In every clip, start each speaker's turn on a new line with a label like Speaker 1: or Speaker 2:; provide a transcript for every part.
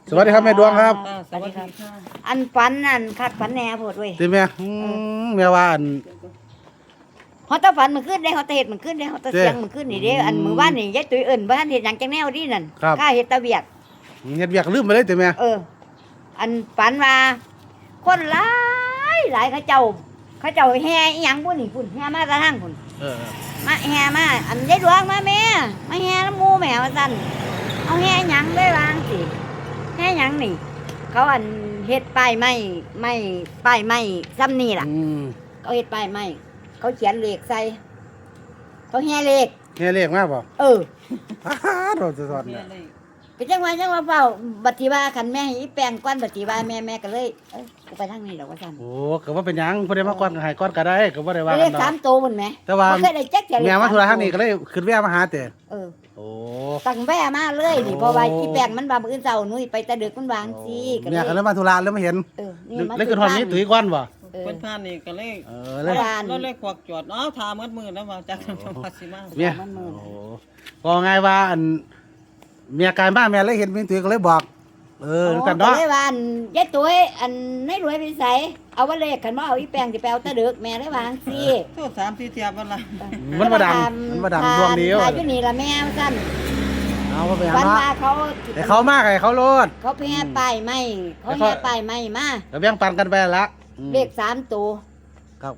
Speaker 1: สวัสดีครับแม่ดวงครับ
Speaker 2: สวัสดีครับ
Speaker 3: อันฝันนั่นคัดฝันแหน่โพดเว้ย
Speaker 1: ติแม่แม่ว่าอัน
Speaker 3: เฮาตะฝันมันขึ้นได้เฮาตะเฮ็ดมันขึ้นได้เฮาตะเสียงมันขึ้นนี่เด้อันมื้อวานนี่ยายตุ้ยเอิ้นบ่ทันเฮ็ดหยังจังแนวดีนั่น
Speaker 1: ครับ
Speaker 3: ข้าเฮ็ดแตะเวียก
Speaker 1: เฮ็ดเวียกลืมไปเลยติแม่
Speaker 3: อันฝันว่าคนหลายหลายเขาเจ้าแห่อีหยังพุ่นนี่พุ่นแห่มาแตะทางพุ่น
Speaker 1: เออ
Speaker 3: มาแห่มาอันยายดวงมาแม่มาแห่น้ำหมู่แม่ว่าซั่นเอาแห่หยังได้วางสิแห่หยังนี่ เขาอันเฮ็ดป้ายไม้ป้ายไม้ซ้ำนี่ล่ะ เขาเฮ็ดป้ายไม้เขาเขียนเลขใส่เขาแห่เลข
Speaker 1: แม่เลขมาบ่ เราจะสอนเนี่ย
Speaker 3: ก็จังว่าเฝ้าบัดทีว่าคันแม่ให้อีแปลงก้อนบัดทีว่าแม่ก็เลยกูไปทางนี้ดอกว่าซั่น
Speaker 1: โอ้ก็ว่าเป็นหยังบ่ได้มาก่อนก็ให้ก่อนก็ได้ก็บ่ได้ว่า
Speaker 3: เล
Speaker 1: กั
Speaker 3: ข
Speaker 1: นดอก
Speaker 3: 3โตวพุ่นแหม
Speaker 1: แต่ว่า
Speaker 3: บ่เคยได้จักเที่ยเลข
Speaker 1: แม่มาธุระทางนี้ก็เลยขึ้นแวะมาหาแต่ โอ้
Speaker 3: ตั้งแว่มาเลยนี่เพราะว่าอีแปลงมันว่ามื้ออื่นเช้าหนุ่ยไปแต่ดึกมันวางสิก็
Speaker 1: แม่ก็เลยมาธุระแล้วมาเห็น
Speaker 3: นี่มา
Speaker 1: เลยขึ้นฮอดนี้ตุ้ยก่อนบ่
Speaker 2: เพิ่นผ่านนี่ก็เลย
Speaker 1: เลย
Speaker 2: เราเลยควักจอดทามืดมือแล้วว่าจักจังหวัดสิมา
Speaker 1: แม่โอ้ก็ไงว่าอันเมียกายบ้านแม่เลยเห็นมีตุ้ยก็เลยบอกกันเนาะ
Speaker 3: เลยว่าอันยายตุ้ยอันในรวยไปไสเอาว่าเลขคันบ่เอาอีแปลงสิไปเอาแต่ดึกแม่เลยวางสิ
Speaker 2: โทษ3-4เทียบวันละ
Speaker 1: มันบ่ดังดวงเดียว
Speaker 3: ถ่ายอยู่นี่ละแม่ว่าซั่น
Speaker 1: เอาไปหา
Speaker 3: วัน
Speaker 1: เนาะ
Speaker 3: ว่าเขา
Speaker 1: แต่เขามากไงเขาโลด
Speaker 3: เขาแห่ป้ายไม้เขาแห่ป้ายไม้มา
Speaker 1: แล้วแบ่งปันกันไปละ
Speaker 3: เลข3ตัว
Speaker 1: ครับ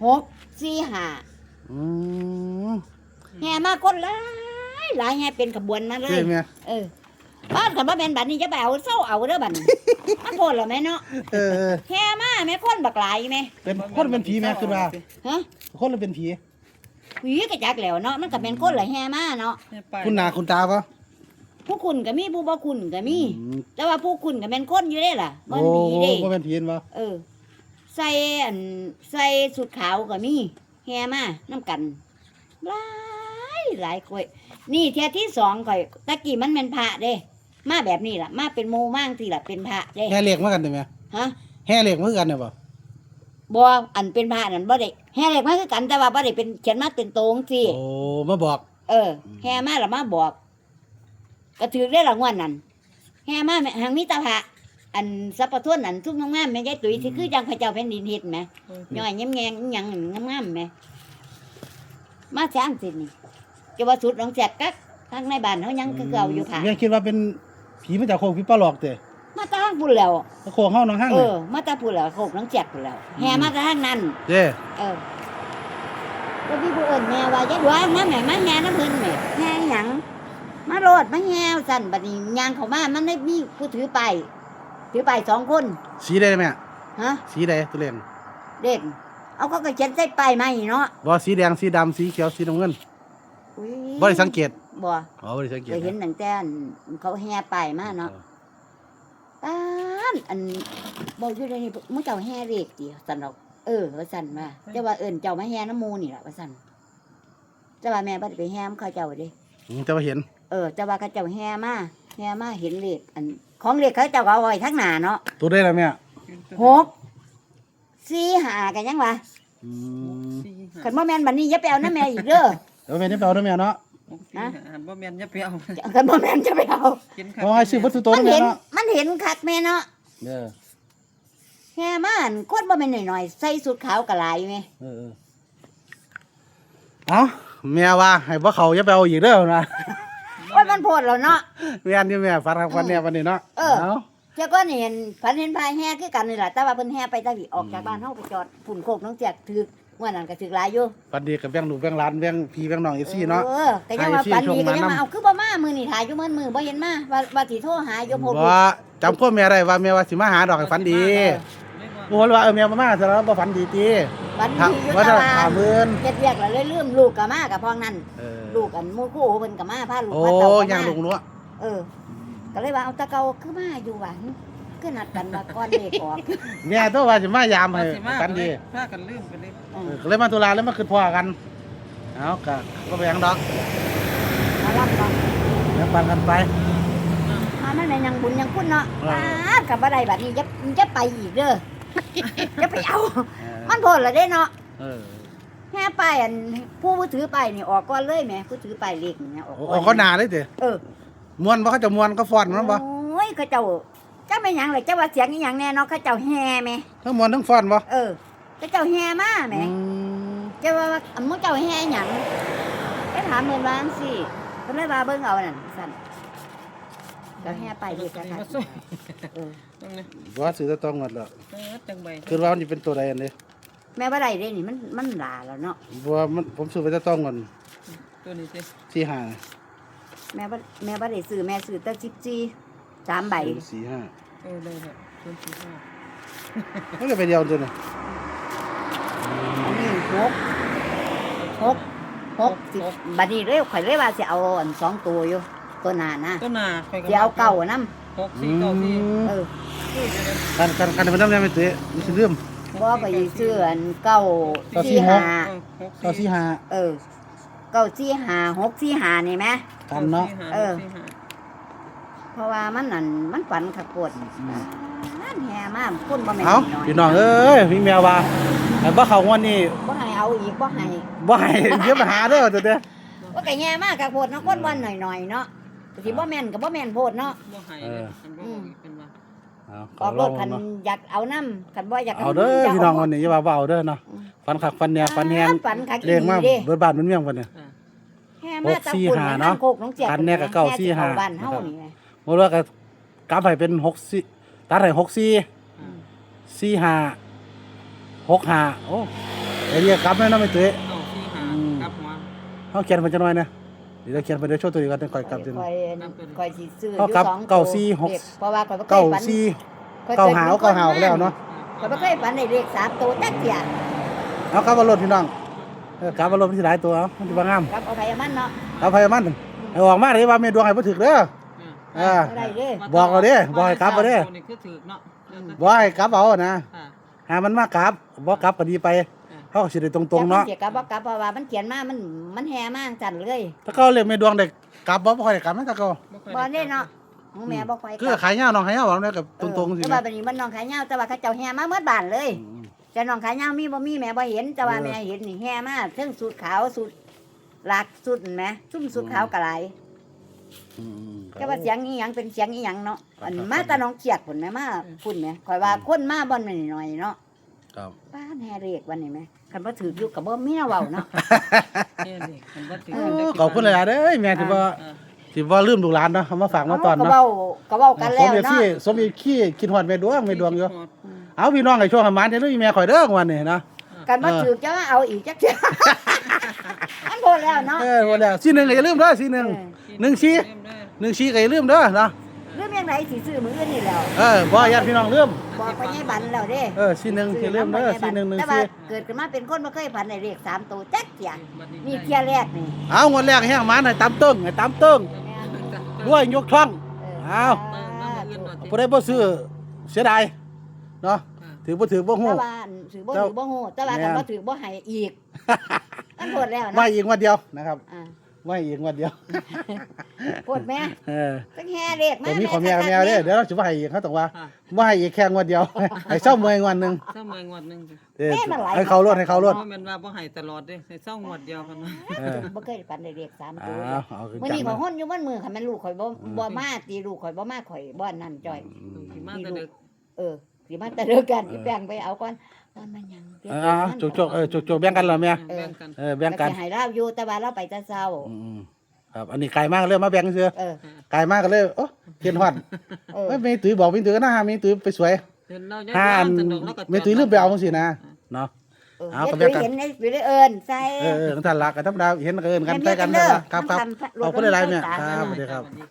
Speaker 3: 6 4 5
Speaker 1: อืม
Speaker 3: แห่มาคนหลายหลายแห่เป็นขบวนมาเล
Speaker 1: ใช่
Speaker 3: ย
Speaker 1: ไหม
Speaker 3: บ้านคันบ่แม่นบัดนี้จะไปเอาเซาเอาเด้อบัดนี้มันโพดแล้วแม่เนาะแห่มาแม่คนบักหลายแม่
Speaker 1: เป็นคนเป็นผีแม่คือว่า
Speaker 3: ฮะ
Speaker 1: คนหรือเป็นผี
Speaker 3: ผีก็จักแล้วเนาะมันก็เป็นคนละแห่มาเนาะ
Speaker 1: คุณหน้าคุณตาปะ
Speaker 3: ผู้คุณก็มีผู้บ่คุณก็มี แต่ว่าผู้คุณก็แม่นคนอยู่เด้ล่ะบ่
Speaker 1: โอ้
Speaker 3: ผีเด้
Speaker 1: บ่เป็นผีปะ
Speaker 3: ใส่อันใส่สุดขาวก็มีแห่มานํกันหลายคนนี่เที่ยที่2ข่อยตะกี้มันแม่นพระเด้มาแบบนี้ล่ะมาเป็นโมมั่งที่ล่ะเป็นพระเด้
Speaker 1: แห่เหล็กมากันได้ไหม
Speaker 3: ฮะ
Speaker 1: แห่เหล็กมาคือกันเนี่ยปะ
Speaker 3: บ่อันเป็นพระนั่นบ่ได้แห่เลขมาคือกันแต่ว่าบ่ได้เป็นเขียนมาเป็นโตงสิ
Speaker 1: โอ้มาบอก
Speaker 3: แห่มาแล้วมาบอกก็ถือได้รางวัลนั่นแห่มาแม่หังมีแตาพระอันสัพพะทวนนั่นทุกงามๆแม่ยายตุ้ยสิคือจังพระเจ้าแผ่นดินเฮ็ดแหมย่อยแย้มๆอีหยังงามๆแหมมาสร้างสินี่จะว่าสุดหนองแจกกักทางในบ้านเฮายังคือเก่าอยู่ค่ะ
Speaker 1: แม่คิดว่าเป็นผีมาจากโคกผีปลาหลอกเตะ
Speaker 3: มาตาทางพุ่นแล้ว
Speaker 1: โคกห้องน้องห้างเลย
Speaker 3: มาตาพุ่นแล้วโคกหนองแจกพุ่นแล้วแห่มาตาทางนั้น
Speaker 1: เจ้
Speaker 3: ก็พี่ผู้เอิ้นแม่ว่ายายดวงมาแม่มาแห่น้ำเพิ่นแม่แห่หยังมาโลดมาแห่สั่นบัดนี้ย่างเข้ามามันได้มีผู้ถือไป2คน
Speaker 1: สีใดแม่
Speaker 3: ฮะ
Speaker 1: สีใดตัวเล่น
Speaker 3: เด็กเอาเขาก็เขียนใส่ป้ายไม้เนาะ
Speaker 1: บ่สีแดงสีดำสีเขียวสีน้ำเงิน
Speaker 3: อุ้ย
Speaker 1: บ่ได้สังเกต
Speaker 3: บ่
Speaker 1: อ๋อบ่ได้สังเกต
Speaker 3: เคยเห็นตั้งแต่อันเขาแห่ป้ายมาเนาะอันบอกอยู่ในนี้มึงเจ้าแห่เลขติสั่นดอกว่าสั่นว่าแต่ว่าเอิ้นเจ้ามาแห่น้ำหมู่นี่ล่ะว่าสั่นแต่ว่าแม่บ่ได้ไปแห่เขาเจ้าเด้
Speaker 1: แต่ว่าเห็น
Speaker 3: แต่ว่าเขาเจ้าแห่มาเห็นเลขอันของเลขเขาเจ้าก็เอาไว้ทั้งหน้าเนาะ
Speaker 1: ตัวได้แล้วแม่
Speaker 3: 6 4 5กันยังวะคันบ่แม่นบัดนี้อย่าไปเอานำแม่อีกเด้อ
Speaker 1: แล้วแม่นี่ไปเอาด้วยแม่เนาะ
Speaker 2: บ่แม่นอย่าไปเอา
Speaker 3: คันบ่แม่นจะไปเอา
Speaker 1: เพราะให้ซื้อวัตถุตัว
Speaker 3: มัน
Speaker 1: แม่
Speaker 3: เห็น
Speaker 1: เนาะ
Speaker 3: มันเห็นคักแม่เนาะแห่มาอันคนบ่แม่นน้อยๆใส่สุดขาวก็หลายแม่
Speaker 1: เอาแม่ว่าให้บ่เขาอย่าไปเอาอีกเด้อนะ
Speaker 3: โอ้ยมันโพดแล้วเนาะ
Speaker 1: แม่นอยู่แม่ฟันครับฟันเนี่ยวันนี้เนาะ
Speaker 3: เจ้าก็นี่เห็นฝันเห็นพายแห่คือกันนี่ล่ะแต่ว่าเพิ่นแห่ไปตะวิออกจากบ้านเฮาไปจอดฝุ่นโคกน้องแจกถึกว่านั้นก็ถึกหลายอยู่
Speaker 1: ฟันดีกับแบงลูกแบงหลานแบงพี่แบงน้องอีซี่เนาะ
Speaker 3: ก็ยังว่าฝันดีก็ยังมาเอาคือบ่มามื้อนี้ถ่ายอยู่มื้อบ่เห็นมาว่าสิโทรหาอยู่โพด
Speaker 1: บ่จำพ่อแม่ได้ว่าแม่ว่าสิมาหาดอกให้ฟันดีบ่ฮู้ว่าแม่มาซะแล้วบ่ฝันดีติ
Speaker 3: ฝันดีอยู่
Speaker 1: ว่า
Speaker 3: ตะ
Speaker 1: จะ
Speaker 3: วัน
Speaker 1: 50,000
Speaker 3: เฮ็ดเวียกแล้วเลยลืมลูกก็มากับพ้องนั้นลูกอันหมู่คู่เพิ่นก็มาพาลูก
Speaker 1: โอ้
Speaker 3: มาเต้า
Speaker 1: ย่างลูกนัว
Speaker 3: ก็เลยว่าเอาตะเกาคือมาอยู่หวังคือนัดกันมาก่อนเลขออก
Speaker 1: แม่ตัวว่าสิมายามให้ฟันดี
Speaker 2: พากันลืมไปเลย
Speaker 1: ก็เลยมาตุลาแล้วมาขึ้นพ่อกันเอาก็ไปยังดอก
Speaker 3: มารับก่อน
Speaker 1: แล้วปันกันไป
Speaker 3: มามันเป็นยังบุญยังคุณเนาะกับบ่ได้บัดนี้จะไปอีกเด้อจะไปเอามันโพดละเด้เนาะแค่ป้ายอันผู้ถือป้ายนี่ออกก่อนเลยแหมผู้ถือป้ายเลขนี่ออก
Speaker 1: โอ้เขาหนาเลยติ
Speaker 3: เออ
Speaker 1: มวนบ่เขาจะมวนก็ฟ้อนมันบ่
Speaker 3: โอ้ยเขาเจ้าจักไม่หยังเลยจักว่าเสียงอีหยังแน่เนาะเขาเจ้าแห่แม่
Speaker 1: ทั้งมวนทั้งฟ้อนบ่
Speaker 3: เขาเจ้าแห่มาแม่
Speaker 1: อืม
Speaker 3: เจ้าว่ามึงเจ้าแห่หยังไปถามเพิ่นว่าจังซี่เพิ่นเลยว่าเบิ่งเอานั่นซั่นเจ้าแห่ไปเด็กกัน
Speaker 2: มา
Speaker 3: ค่ะ
Speaker 2: สู้
Speaker 3: เออ
Speaker 2: ตรงนี้
Speaker 1: ว่าซื้อแตะต้องหมดแล้ว
Speaker 2: จังใบ
Speaker 1: คือว่ามันสิเป็นตัวใดอันนี้
Speaker 3: แม่บ่ได้เด้นี่มันหลาแล้วเนาะ
Speaker 1: บ่ว่ามันผมซื้อไปแตะต้องก่อน
Speaker 2: ตัวนี้สิ
Speaker 1: สี่ห้า
Speaker 3: แม่บ่ได้ซื้อแม่ซื้อแต่14 3ใบ
Speaker 1: สี่ห้า
Speaker 2: ได้ครับ045
Speaker 1: มันก็ไปเดียวตัวนี้
Speaker 3: อันนี้6บัดนี้เร็วข่อยเลยว่าสิเอาอัน2ตัวอยู่ตัวหน้านะ
Speaker 2: ต้นนาใครก็
Speaker 3: สิเอาเก่านํ
Speaker 2: 6 4 9 4
Speaker 3: เออ
Speaker 1: กันมันน้ำแน่ไม่ตื้อมันสิลืม
Speaker 3: บ่ก็สิซื้ออันเก่า
Speaker 1: เก้า
Speaker 3: สี่
Speaker 1: สี่หก
Speaker 3: ห้า
Speaker 1: ก็สี่ห้า
Speaker 3: เก่าสี่ห้า6 4 5นี่แหม
Speaker 1: กันเนาะ
Speaker 3: เพราะว่ามันนั่นมันฝันขักปวดนั่นแห่มาคนบ่แม่น
Speaker 1: เอ้า
Speaker 3: น้อย
Speaker 1: พี่น้องเอ้ยพี่แมวว่าแต่บ่เข้างวดนี้
Speaker 3: บ่ให้เอาอีกบ่ให้
Speaker 1: บ่ให้เดี๋ยวไปหาเด้อตัวเด้อ
Speaker 3: ว่าก็แห่มาขักปวดเนาะคนบ่หน่อยๆเนาะสิบ่แม่นก็บ่แม่นโพดเนาะ
Speaker 2: บ่ให้เลยมันบ่เป็นว่า
Speaker 1: เอา
Speaker 3: ออกรถคันอยากเอานํคันบ่อยาก
Speaker 1: เอาเด้อพี่น้องวันนี้อย่าว่าบ่เอาเด้อเนาะฟันคักฟันเนี่ยฟันแฮง
Speaker 3: ฝันคัก
Speaker 1: เรียงมา
Speaker 3: เด้
Speaker 1: เบิดบ้านมันเมียงบัดเนี่ย
Speaker 3: แห่มาตะกุน
Speaker 1: 6 4 5เนาะ
Speaker 3: โคกน้องเจีย
Speaker 1: กันแน่ก็เก้า
Speaker 3: แห่
Speaker 1: 4 5
Speaker 3: บ้านเฮานี่ไง
Speaker 1: บ่ว่าก็กลับให้เป็น64ตัดให้64 45 65โอ้ไอ้เรียกกลับแม่นเนาะไม่ตื้อ
Speaker 2: เอาที่หากับหัว
Speaker 1: เฮาเขียนเพิ่นจังหน่อยนะเดี๋ยวเขียนไปเดี๋ยวโชว์ตัวนี้ก่อนค่อยกลับจัง
Speaker 3: คอยสิซื้ออ
Speaker 1: เอา
Speaker 3: ยู่
Speaker 1: กลับ
Speaker 3: สอง
Speaker 1: เก้า
Speaker 3: ตัว
Speaker 1: สี่หก
Speaker 3: เลขเพราะว่าคอยบ่เค
Speaker 1: เก้าย
Speaker 3: ฝัน
Speaker 1: สี่
Speaker 3: ข้อย
Speaker 1: เก้า
Speaker 3: คย
Speaker 1: หา
Speaker 3: ป็น
Speaker 1: เก้าหาแล้วเนาะ
Speaker 3: คอยบ่เคยฝันได้เลข3ตัวจักเที่ย
Speaker 1: เอากลับมารถพี่น้องกลับมารถที่หลายตัวเอามันสิบ่งาม
Speaker 3: กับเอาไปเอามันเนาะ
Speaker 1: เอาไปมันให้ออกมาเลยว่าแม่ดวงให้บ่ถึกเด้ออ่า
Speaker 3: บ่ได้เด้
Speaker 1: บอกเราเด้บอกให้กลับมาเด้
Speaker 2: นี่คือถือเนาะ
Speaker 1: บ่ให้กลับเอานะหามันมากลับบ่กลับก็ดีไปเฮาก็สิได้ตรงๆเนาะ
Speaker 3: จักมันสิกลับบ่กลับเพราะว่ามันเขียนมามันแห่มาจังเลย
Speaker 1: ถ้าเขาเรียกแม่ดวงได้กลับบ่ค่อยได้กลับนะถ้าเขา
Speaker 3: บ่ได้เนาะของแม่บ่ค่อยก
Speaker 1: คือ
Speaker 3: ลับ
Speaker 1: ขายยาวน้องขายยาวบ่ได้กับตรงๆสิ
Speaker 3: แต่ว่าบัดนี้มันน้องขายยาวแต่ว่าเขาเจ้าแห่มาเมื่อบ้านเลยแต่น้องขายยาวมีบ่มีแม่บ่เห็นแต่ว่าแม่เห็นนี่แห่มาเทั้งสูตรขาวสูตรหลากสูตรแหมซุ่มสูตรขาวก็หลาย แต่ว่าเสียงอีหยังเป็นเสียงอีหยังเนาะอันมาแตาน้องเขียดพุ่นแม่มาพุ่นแม่ข่อยว่าคนมาบ่อนแม่นน้อยๆเนาะ
Speaker 1: ครับ
Speaker 3: ป้าแห่เรียกวันนี้แม่คันบ่ถืออยู่ก็บ่มีแนวเว้าเนาะ
Speaker 1: ขอบคุณหลายๆเด้อแม่ที่ว่าลืมลูกหลานเนาะเอามาฝากมาตอน
Speaker 3: ก็
Speaker 1: เนาะ
Speaker 3: เว้ากันแล้วเนาะ
Speaker 1: สมอีกขี้คิดฮอดแม่ดวงอยู่เอาพี่น้องให้โชคให้หมานเด้อแม่ข่อยเด้อวันนี้นะ
Speaker 3: กันบ่ถือจะเอาอีกจักเทื่ออันโพดแล้วเนาะ
Speaker 1: หมดแล้วสีหนึ่งก็อย่าลืมเด้อสีหนึ่ง14ก็อย่าลืมเด้อเนาะ
Speaker 3: เรื่องยังไงสิซื้อมื้ออื่นนี่แล้ว
Speaker 1: บ่ญาติพี่น้องลืม
Speaker 3: บอกไปให้บันแล้วเด้
Speaker 1: สีหนึ่งอย่าลืมเด้อสีหนึ่ง
Speaker 3: แต่ว่าเกิดขึ้นมาเป็นคนบ่เคยฝันได้เลข3ตัวจักเที่ยนี่เที่ยแรกนี่
Speaker 1: เอางวดแรกให้หมานให้ตามตึ้งด้วยยกช่องเอาบ่ได้บ่ซื้อเสียดายเนาะถือบ่ถือบ่ฮู้
Speaker 3: แต่ว่าถือบ่ฮู้แต่ว่ากันบ่ถือบ่ให้อีกอันโพดแล้ว
Speaker 1: ไว้
Speaker 3: เนาะ
Speaker 1: อีกงวดเดียวนะครับ
Speaker 3: อ่า
Speaker 1: ไว้อีกงวดเดียว
Speaker 3: โพดแม่ ตั้งแห่เลขมา
Speaker 1: แต่มีของแม่กับแมวเด้อเดี๋ยวเราสิบ่ให้อีกเขาต้องว่าบ่ให้อีกแค่งวดเดียวให้เศร้าเมื่อยงวดนึง
Speaker 2: เศร้าเมื่อยงวดนึง
Speaker 1: ให้เขารถ
Speaker 2: แม่นว่าบ่ให้ตลอดเด้เศร้างวดเดียวกันนะ
Speaker 3: บ่เคยฝันได้เลข3ตัว
Speaker 1: เอาคือ
Speaker 3: มื้อ
Speaker 1: จั
Speaker 3: นี้
Speaker 1: ง
Speaker 3: ข่อยฮ้อนอยู่มันมือคันแม่นลูกข่อยบ่มาตีลูกข่อยบ่มาข่อยบ่นั่นจ้อย
Speaker 2: สิมาแต่ดึก
Speaker 3: สิมาแต่เลิกกันอีแป้งไปเอาก่อนมันยัง
Speaker 1: จกจกแบ่งกันเหรอแม่
Speaker 2: แบ่งกัน
Speaker 1: แบ่งกัน
Speaker 3: ให้เราอยู่แต่ว่าเราไปแต่เช้า
Speaker 1: ครับอันนี้ไกลมากเลยมาแบ่งเสือ
Speaker 3: เออ
Speaker 1: ไกลมากก็เลยโอ้เทียนฮอด ไม่มีตุ้ยบอกมีตุ้ยก็น่าหามีตุ้ยไปสวย
Speaker 2: เห็นเรา
Speaker 1: ห้าอันมีตุ้ยลืมไปเอาจังซี่นะเนาะ เอาก็แบ่งกัน
Speaker 3: เห็นในวิดีโอใส่
Speaker 1: นั่นท่านรักกันธรรมดาเห็นก็เอิ้นกันไปกันนะครับขอบคุณหลายๆแม่ครับสวัสดีครับ